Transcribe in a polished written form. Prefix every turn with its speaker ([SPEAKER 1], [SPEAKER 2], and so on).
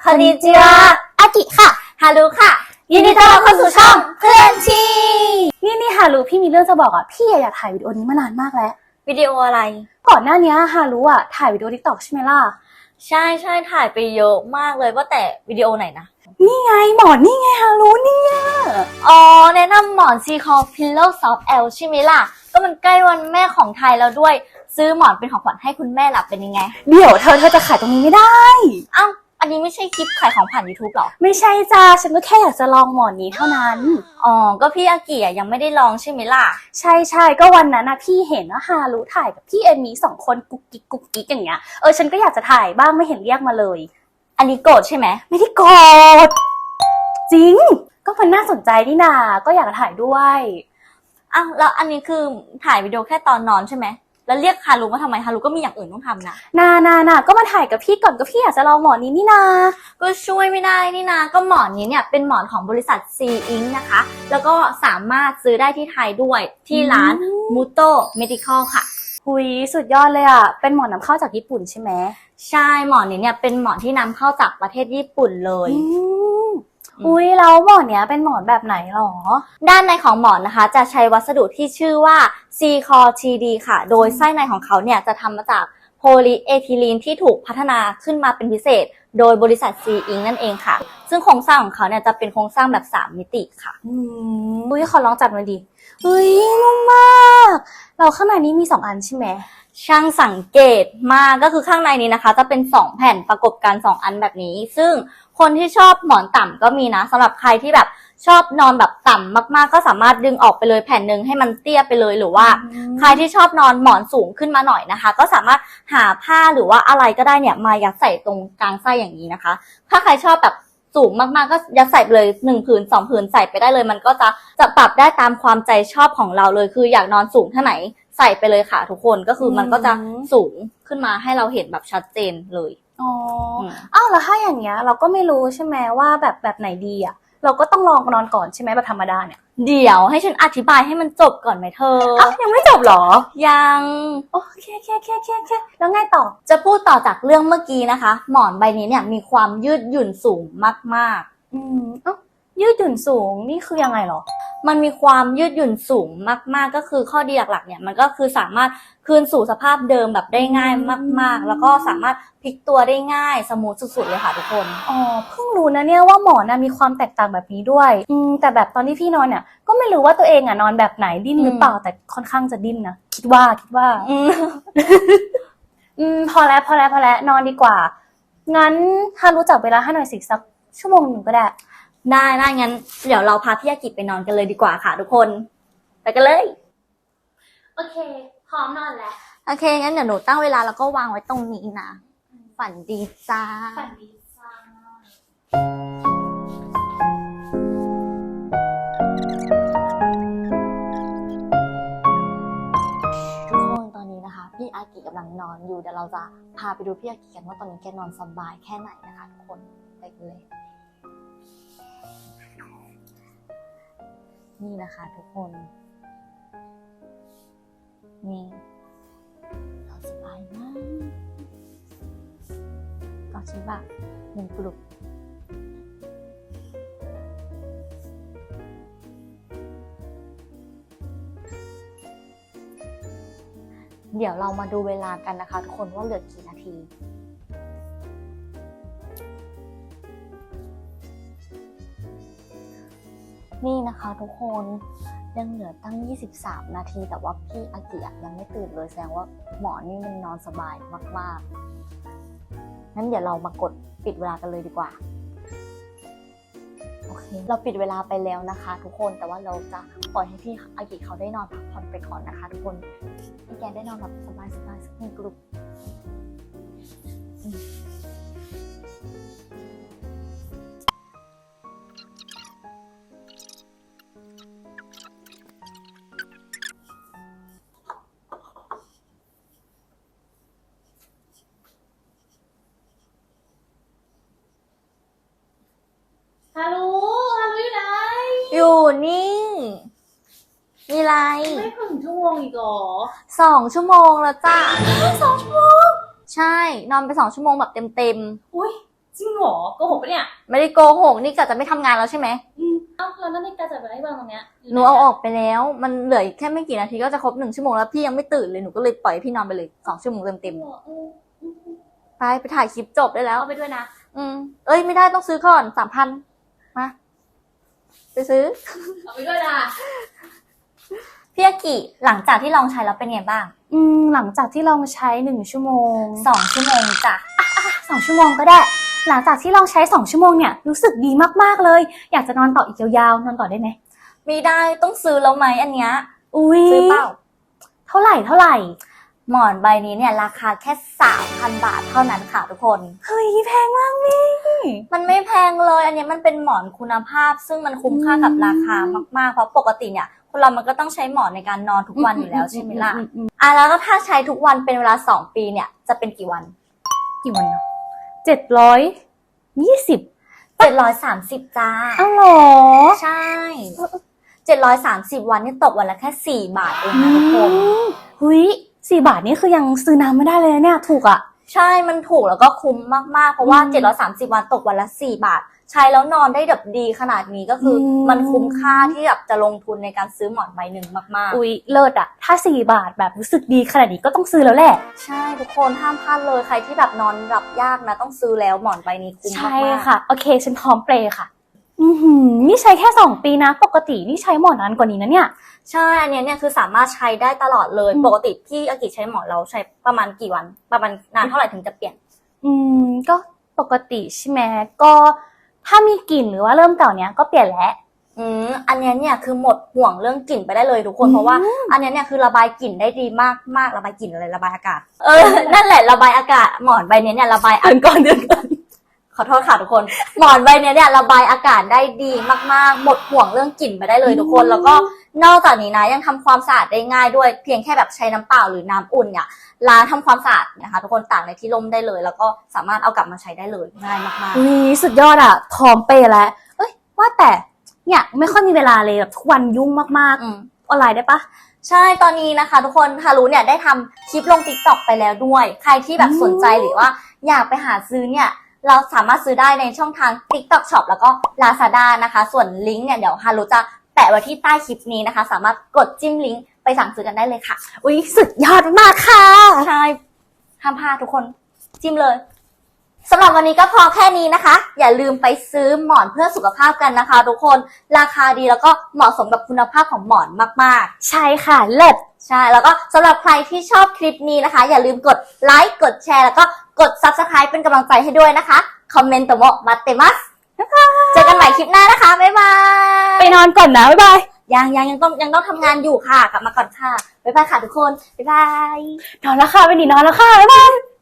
[SPEAKER 1] อนนิจิวะอากิค่ะฮารุค่ะยินดีต้อนรับเข้าสู่ช่องเพื่อนชี
[SPEAKER 2] นี่ฮารุพี่มีเรื่องจะบอกอ่ะพี่อยากถ่ายวิดีโอนี้มานานมากแล้ว
[SPEAKER 1] วิดีโออะไร
[SPEAKER 2] ก่อนหน้านี้ฮารุอ่ะถ่ายวิดีโอ TikTok ใช่ไหมล่ะ
[SPEAKER 1] ใช่ถ่ายไปเยอะมากเลยว่าแต่วิดีโอไหนนะ
[SPEAKER 2] นี่ไงหมอนนี่ไงฮารุเนี่ย
[SPEAKER 1] อ๋อแนะนำหมอน C-Core Pillow Soft L ใช่ไหมล่ะก็มันใกล้วันแม่ของไทยแล้วด้วยซื้อหมอนเป็นของขวัญให้คุณแม่หลับเป็นยังไง
[SPEAKER 2] เดี๋ยวเธอจะขายตรงนี้ไม่ได้
[SPEAKER 1] อ้าวอันนี้ไม่ใช่คลิปขายของผ่าน YouTube หรอ
[SPEAKER 2] ไม่ใช่จ้าฉันก็แค่อยากจะลองหมอนนี้เท่านั้น
[SPEAKER 1] อ๋อก็พี่อากิยังไม่ได้ลองใช่ไหมล่ะ
[SPEAKER 2] ใช่ก็วันนั้นนะพี่เห็นว่าฮารุถ่ายกับพี่เอมี่2 คนกุ๊กกิ๊กอย่างเงี้ยฉันก็อยากจะถ่ายบ้างไม่เห็นเรียกมาเลย
[SPEAKER 1] อันนี้โกรธใช่ไหม
[SPEAKER 2] ไม่ได้โกรธจริงก็มันน่าสนใจนี่นาก็อยากถ่ายด้วย
[SPEAKER 1] อ้าวแล้วอันนี้คือถ่ายวิดีโอแค่ตอนนอนใช่ไหมแล้วเรียกฮารุมาทำไมฮารุก็มีอย่างอื่นต้องทำนะ
[SPEAKER 2] นาก็มาถ่ายกับพี่ก่อนก็พี่อยากจะลองหมอนนี้นี่นา
[SPEAKER 1] ก็ช่วยไม่ได้นี่นาก็หมอนนี้เนี่ยเป็นหมอนของบริษัท C Inc นะคะแล้วก็สามารถซื้อได้ที่ไทยด้วยที่ร้าน Muto Medical ค่ะ
[SPEAKER 2] หุยสุดยอดเลยอ่ะเป็นหมอนนำเข้าจากญี่ปุ่นใช่ไหม
[SPEAKER 1] ใช่หมอนนี้เนี่ยเป็นหมอนที่นำเข้าจากประเทศญี่ปุ่นเลย
[SPEAKER 2] อุ้ยแล้วหมอนเนี้ยเป็นหมอนแบบไหนหรอ
[SPEAKER 1] ด้านในของหมอนนะคะจะใช้วัสดุที่ชื่อว่า C-Core TD ค่ะโดยไส้ในของเขาเนี่ยจะทำมาจากโพลีเอทิลีนที่ถูกพัฒนาขึ้นมาเป็นพิเศษโดยบริษัท C Inc นั่นเองค่ะซึ่งโครงสร้างของเขาเนี่ยจะเป็นโครงสร้างแบบ3มิติค่ะ
[SPEAKER 2] อุ้ยขอลองจับมันดิอุ้ยนุ่มมากเราข้างในนี้มี2 อันใช่ไหม
[SPEAKER 1] ช่างสังเกตมากก็คือข้างในนี้นะคะจะเป็น2แผ่นประกบกัน2อันแบบนี้ซึ่งคนที่ชอบหมอนต่ำก็มีนะสำหรับใครที่แบบชอบนอนแบบต่ำมากๆก็สามารถดึงออกไปเลยแผ่นหนึ่งให้มันเตี้ยไปเลยหรือว่าใครที่ชอบนอนหมอนสูงขึ้นมาหน่อยนะคะก็สามารถหาผ้าหรือว่าอะไรก็ได้เนี่ยมายัดใส่ตรงกลางไส้อย่างนี้นะคะถ้าใครชอบแบบสูงมากๆก็ยัดใส่ไปเลย1 ผืน 2 ผืนใส่ไปได้เลยมันก็จะปรับได้ตามความใจชอบของเราเลยคืออยากนอนสูงเท่าไหนใส่ไปเลยค่ะทุกคนก็คือมันก็จะสูงขึ้นมาให้เราเห็นแบบชัดเจนเลย
[SPEAKER 2] อ้าวแล้วถ้าอย่างเงี้ยเราก็ไม่รู้ใช่ไหมว่าแบบไหนดีอ่ะเราก็ต้องลองนอนก่อนใช่ไหมแบบธรรมดาเนี่ย
[SPEAKER 1] เดี๋ยวให้ฉันอธิบายให้มันจบก่อนไหมเธอ
[SPEAKER 2] ยังไม่จบหรอ
[SPEAKER 1] ยัง
[SPEAKER 2] โอเคแล้วไงต่อ
[SPEAKER 1] จะพูดต่อจากเรื่องเมื่อกี้นะคะหมอนใบนี้เนี่ยมีความยืดหยุ่นสูงมาก
[SPEAKER 2] ยืดหยุ่นสูงนี่คือยังไงหรอ
[SPEAKER 1] มันมีความยืดหยุ่นสูงมากๆก็คือข้อดีหลักๆเนี่ยมันก็คือสามารถคืนสู่สภาพเดิมแบบได้ง่ายมากๆแล้วก็สามารถพลิกตัวได้ง่ายสมูทสุดๆเลยค่ะทุกคน
[SPEAKER 2] เพิ่งรู้นะเนี่ยว่าหมอนมีความแตกต่างแบบนี้ด้วยแต่แบบตอนที่พี่นอนเนี่ยก็ไม่รู้ว่าตัวเองนอนแบบไหนดิ้นหรือเปล่าแต่ค่อนข้างจะดิ้นนะคิดว่าพอแล้วนอนดีกว่างั้นถ้ารู้จักเวลาให้หน่อยสิสัก1 ชั่วโมงก็ได้
[SPEAKER 1] งั้นเดี๋ยวเราพาพี่อากิไปนอนกันเลยดีกว่าค่ะทุกคนไปกันเลย
[SPEAKER 2] โอเคพร้อมนอนแล้ว
[SPEAKER 1] โอเคงั้นเดี๋ยวหนูตั้งเวลาแล้วก็วางไว้ตรงนี้นะฝันดีจ้า
[SPEAKER 2] ฝันดีจ้า
[SPEAKER 1] ทุกคนตอนนี้นะคะพี่อากิกำลังนอนอยู่เดี๋ยวเราจะพาไปดูพี่อากิกันว่าตอนนี้แกนอนสบายแค่ไหนนะคะทุกคนไปกันเลยนี่นะคะทุกคนนี่เราสบายมากกอดฉันแบบ1 กลุ่มเดี๋ยวเรามาดูเวลากันนะคะทุกคนว่าเหลือกี่นาทีนี่นะคะทุกคนยังเหลือตั้ง23 นาทีแต่ว่าพี่อากิยังไม่ตื่นเลยแสดงว่าหมอนี่มันนอนสบายมากๆงั้นเดี๋ยวเรามากดปิดเวลากันเลยดีกว่าโอเคเราปิดเวลาไปแล้วนะคะทุกคนแต่ว่าเราจะปล่อยให้พี่อากิเขาได้นอนพักผ่อนไปก่อนนะคะทุกคนให้แกได้นอนแบบสบายๆสัก1 กลุ่ม
[SPEAKER 2] ฮารุอยู่ไหน
[SPEAKER 1] อยู่นี่มีอะไร
[SPEAKER 2] ไม่ถึง1 ชั่วโมงอีกหรอ
[SPEAKER 1] 2 ชั่วโมงแล้วจ้า
[SPEAKER 2] 2 ชั่วโมง
[SPEAKER 1] ใช่นอนไป2 ชั่วโมงแบบเต็ม
[SPEAKER 2] อุ้ยจริงเหรอโกหกปะเนี่ย
[SPEAKER 1] ไม่ได้โกหกนี่กะจะไม่ทำงานแล้วใช่ไหม
[SPEAKER 2] เอ้าแล้วนั่นนี่กาจะไปได้บ้างตรงเนี้ย
[SPEAKER 1] หนูเอาออกไปแล้ว มันเหลืออีกแค่ไม่กี่นาทีก็จะครบ1 ชั่วโมงแล้วพี่ยังไม่ตื่นเลยหนูก็เลยปล่อยให้พี่นอนไปเลย2 ชั่วโมงเต็มๆไปถ่ายคลิปจบได้แล้ว
[SPEAKER 2] เอาไปด้วยนะ
[SPEAKER 1] เอ้ยไม่ได้ต้องซื้อก่อน3,000มาไปซื้อ
[SPEAKER 2] เอาไปด้วยนะ
[SPEAKER 1] พี่อากิหลังจากที่ลองใช้แล้วเป็นไงบ้าง
[SPEAKER 2] หลังจากที่ลองใช้1 ชั่วโมง
[SPEAKER 1] 2 ชั่วโมงจ้ะ
[SPEAKER 2] 2 ชั่วโมงก็ได้ หลังจากที่ลองใช้2 ชั่วโมงเนี่ยรู้สึกดีมากๆเลย อยากจะนอนต่ออีกยาวๆนอนต่อได้ไหม
[SPEAKER 1] ไม่ได้ต้องซื้อแล้วไหมอันเนี้ย
[SPEAKER 2] อุ้ย
[SPEAKER 1] ซื้อเปล่า
[SPEAKER 2] เท่าไหร่
[SPEAKER 1] หมอนใบนี้เนี่ยราคาแค่ 3,000 บาทเท่านั้นค่ะทุกคน
[SPEAKER 2] เฮ้ยแพงมากนี่
[SPEAKER 1] มันไม่แพงเลย อันเนี้ยมันเป็นหมอนคุณภาพ ซึ่งมันคุ้มค่ากับราคามากๆ เพราะปกติเนี่ยคนเรามันก็ต้องใช้หมอนในการนอนทุกวันอยู่แล้วใช่ไหมล่ะแล้วก็ถ้าใช้ทุกวันเป็นเวลา2 ปีเนี่ยจะเป็นกี่วัน
[SPEAKER 2] กี่วันเนาะ720
[SPEAKER 1] 730จ้า
[SPEAKER 2] อ้าวเหรอ
[SPEAKER 1] ใช่730 วันนี่ตกวันละแค่4 บาทเองนะทุกคน
[SPEAKER 2] หุย4 บาทนี่คือยังซื้อน้ำไม่ได้เลยนะเนี่ยถูกอ่ะ
[SPEAKER 1] ใช่มันถูกแล้วก็คุ้มมากๆเพราะว่า730 วันตกวันละ4 บาท ใช้แล้วนอนได้แบบดีขนาดนี้ก็คือมันคุ้มค่าที่แบบจะลงทุนในการซื้อหมอนใบหนึ่งมากๆ
[SPEAKER 2] อุ๊ยเลิศอ่ะถ้า4 บาทแบบรู้สึกดีขนาดนี้ก็ต้องซื้อแล้วแหละ
[SPEAKER 1] ใช่ทุกคนห้ามพลาดเลยใครที่แบบนอนหลับยากนะต้องซื้อแล้วหมอนใบนี้คุ้มมาก
[SPEAKER 2] ใช่ค่ะโอเคฉันพร้อมเปลค่ะนี่ใช้แค่2 ปีนะปกตินี่ใช้หมอนานกว่านี้นะเนี่ย
[SPEAKER 1] ใช่อันเนี้ยเนี่ยคือสามารถใช้ได้ตลอดเลยปกติพี่อากิใช้หมอนเราใช้ประมาณกี่วันประมาณนานเท่าไหร่ถึงจะเปลี่ยน
[SPEAKER 2] ก็ปกติใช่ไหมก็ถ้ามีกลิ่นหรือว่าเริ่มเก่าเนี้ยก็เปลี่ยนแล้ว
[SPEAKER 1] อันเนี้ยเนี่ยคือหมดห่วงเรื่องกลิ่นไปได้เลยทุกคนเพราะว่าอันเนี้ยเนี่ยคือระบายกลิ่นได้ดีมากระบายกลิ่นอะไรระบายอากาศนั่นแหละระบายอากาศหมอนใบเนี้ยเนี่ยระบายอากาศขอโทษค่ะทุกคนหมอนใบเนี้ยเนี่ยระบายอากาศได้ดีมากๆหมดห่วงเรื่องกลิ่นไปได้เลยทุกคนแล้วก็นอกจากนี้นะยังทำความสะอาดได้ง่ายด้วยเพียงแค่แบบใช้น้ำเปล่าหรือน้ำอุ่นเนี่ยล้างทำความสะอาดนะคะทุกคนตากในที่ร่มได้เลยแล้วก็สามารถเอากลับมาใช้ได้เลยง่ายมากๆ
[SPEAKER 2] อุ๊ยสุดยอดอ่ะพร้อมเปย์แล้วเอ้ยว่าแต่เนี่ยไม่ค่อยมีเวลาเลยแบบทุกวันยุ่งมากๆออนไลน์ได้ปะ
[SPEAKER 1] ใช่ตอนนี้นะคะทุกคนฮารุเนี่ยได้ทำคลิปลง TikTok ไปแล้วด้วยใครที่แบบสนใจหรือว่าอยากไปหาซื้อเนี่ยเราสามารถซื้อได้ในช่องทาง TikTok Shop แล้วก็ Lazada นะคะส่วนลิงก์เนี่ยเดี๋ยวฮารุจะแปะไว้ที่ใต้คลิปนี้นะคะสามารถกดจิ้มลิงก์ไปสั่งซื้อกันได้เลยค่ะ
[SPEAKER 2] อุ๊ยสุดยอดมากค่ะ
[SPEAKER 1] ใช่ห้ามพลาดทุกคนจิ้มเลยสำหรับวันนี้ก็พอแค่นี้นะคะอย่าลืมไปซื้อหมอนเพื่อสุขภาพกันนะคะทุกคนราคาดีแล้วก็เหมาะสมกับคุณภาพของหมอนมากๆ
[SPEAKER 2] ใช่ค่ะเลิศ
[SPEAKER 1] ใช่แล้วก็สำหรับใครที่ชอบคลิปนี้นะคะอย่าลืมกดไลค์กดแชร์แล้วก็กด Subscribe เป็นกำลังใจให้ด้วยนะคะคอมเมนต์โตโมมาเตมัสเจอกันใหม่คลิปหน้านะคะบ๊ายบาย
[SPEAKER 2] ไปนอนก่อนนะบ๊ายบาย
[SPEAKER 1] ยังต้องทำงานอยู่ค่ะกลับมาก่อนค่ะบ๊ายบายค่ะทุกคนบ๊ายบาย
[SPEAKER 2] นอนแล้วค่ะไปดินอนแล้วค่ะบ๊ายบาย